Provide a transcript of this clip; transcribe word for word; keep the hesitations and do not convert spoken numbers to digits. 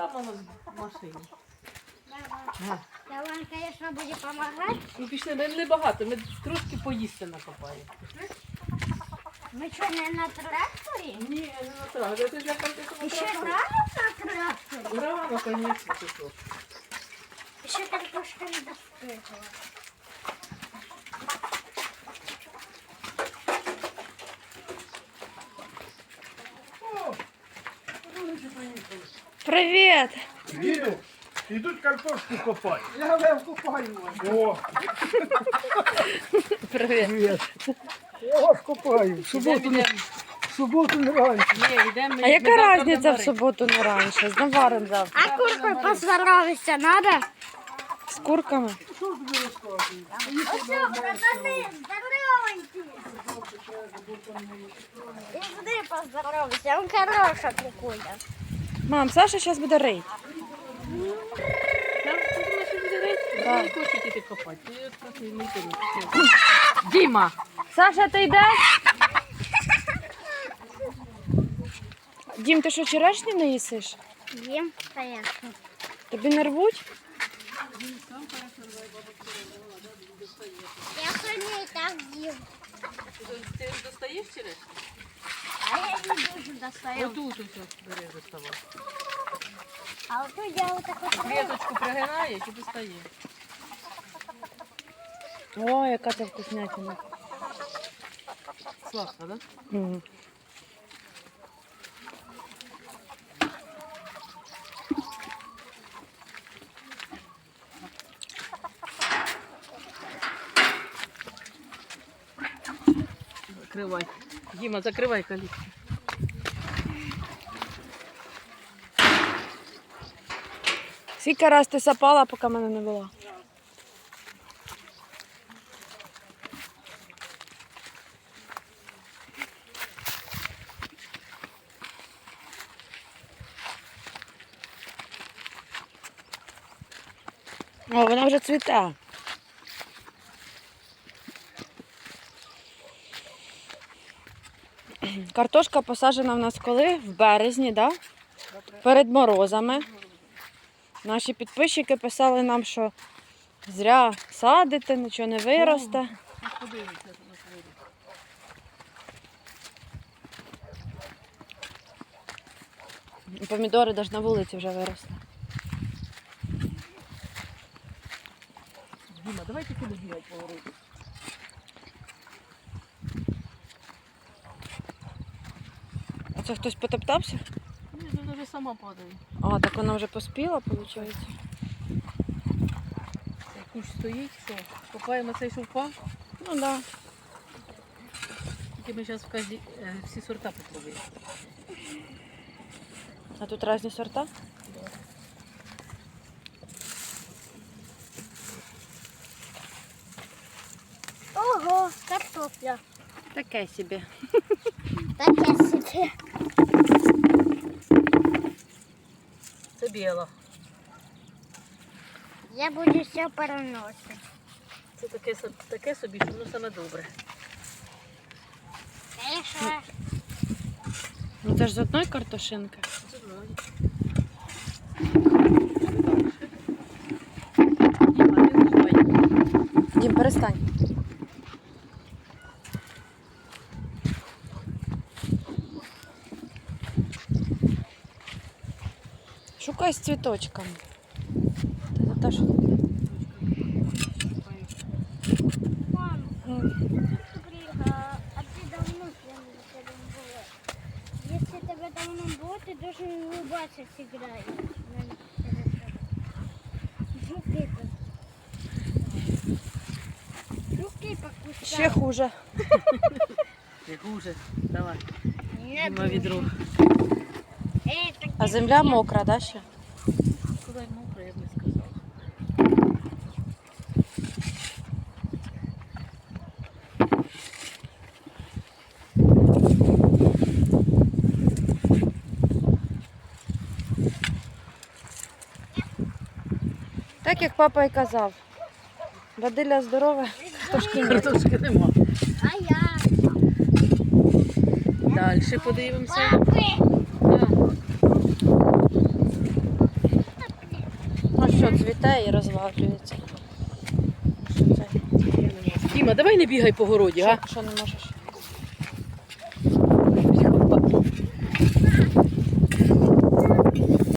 там воно в машині. Давай. Давай, конечно, буде допомагати. Ну пішли, ми не багато, ми трошки поїсти накопаємо. Ми що, не на тракторі? Ні, не на тракторі. Ти ж як ти Ще рано на тракторі? Рано, звісно, ти що. Ще картошка не достигла. Привіт! Діду, ідуть картошку копати. Я вже купаю. О, Привіт! я вас копаю. В суботу, не- в суботу не раніше. Ні, йдемо. А яка різниця в суботу не раніше? З наваром завтра. А куркою поздоровитися надо? З курками? Ось, братани, здоровенькі. Іди поздоровайся, он хороша кукуля. Мам, Саша зараз буде рить. Да. Не хочуть іти копати. Я просто не йти не хочу. Діма! Саша, ти йдеш? Дім, ти що, черешні не їсиш? Їм, конечно. Тобі не рвуть? Я сьогодні і так їм. Ти достаєш через? А я не дуже достаю. Отут ось бери доставай. А от я отак от Клеточку пригинаєш і достаєш. О, яка це вкуснятина. Сладко, так? Угу. Закривай. Діма, закривай калітку. Скільки раз ти сапала, поки мене не було? О, вона вже цвіте. Картошка посаджена в нас коли? В березні, да? Перед морозами. Наші підписчики писали нам, що зря садите, нічого не виросте. Подивіться, як воно вийде. Помідори навіть на вулиці вже виросли. Діма, давай тільки не бігай поговорити. А це хтось потоптався? Ні, вона вже сама падає. А, так вона вже поспіла, виходить. Цей кущ стоїть, що? Копаємо цей, що впав. Ну так. Да. Тільки ми зараз вказі... е, всі сорта попробуємо. А тут різні сорта? Ого, картопля. Таке собі. Таке собі. Це біла. Я буду все переносити. Це таке, со- таке собі, що воно саме добре. Конечно. Ну це ж з одної картошинки. Це вроді. Діма, ти заживай. Дім, перестань. Шукай з цвіточками. Це за те, що... Мам, М. Крига, а ты давно с нами рядом была. Если тебя давно было, ты должен улыбаться всегда. Жуки тут. Жуки покусали. Ще хуже. Ти хуже. Давай. Нет, Діма відро. Эй, так А земля мокра, да, ще? Сказати мокро, я б не сказала. Так, як папа і казав. Бадилля здорове, картошки ні. Картошки нема. а я. Далі подивимося. Папы, Да. що цвіте і розвалюється. Що це? Діма, давай не бігай по городі, а? Що, що не можеш?